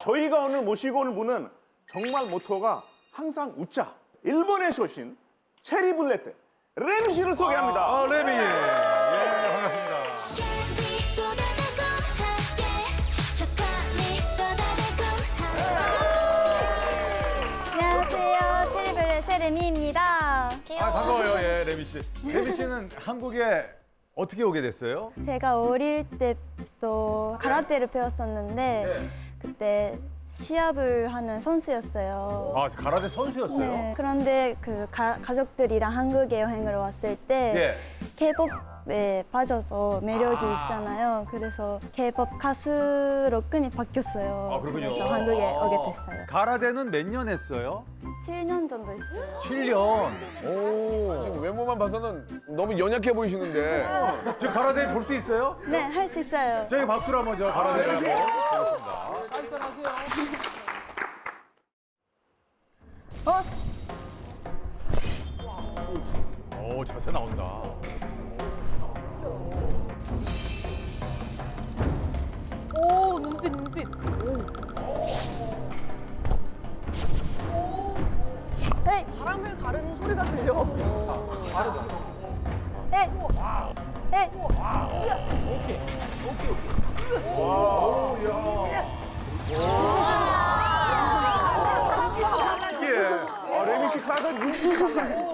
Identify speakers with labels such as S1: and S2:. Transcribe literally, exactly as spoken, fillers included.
S1: 저희가 오늘 모시고 온 분은 정말 모토가 항상 웃자. 일본에서 오신 체리블레트 레미 씨를 소개합니다.
S2: 아, 레미. 예, 반갑습니다.
S3: 안녕하세요. 체리블렛의 레미입니다.
S2: 아, 반가워요, 예, 레미 씨. 레미 씨는 한국에 어떻게 오게 됐어요?
S3: 제가 어릴 때부터 가라테를 배웠었는데
S2: 네.
S3: 그때 시합을 하는 선수였어요.
S2: 아, 가라데 선수였어요?
S3: 네. 그런데 그 가, 가족들이랑 한국에 여행을 왔을 때
S2: 예.
S3: 케이팝에 빠져서 매력이
S2: 아.
S3: 있잖아요. 그래서 케이팝 가수로 끈이 바뀌었어요.
S2: 아, 그렇군요.
S3: 그래서 한국에
S2: 아.
S3: 오게 됐어요.
S2: 가라데는 몇 년 했어요?
S3: 칠 년 정도 했어요.
S2: 칠 년.
S4: 오, 지금 외모만 봐서는 너무 연약해 보이시는데.
S2: 저 가라데 볼 수 있어요?
S3: 네, 할 수 있어요.
S2: 저희 박수로 한번 저 가라데 한번 보겠습니다. 오, 자세 나온다.
S5: 오, 눈빛, 눈빛. 에이, 바람을 가르는 소리가 들려. 에이, 에이.
S2: 이게
S1: 아, 레미 씨 카라테 눈빛이 달라요.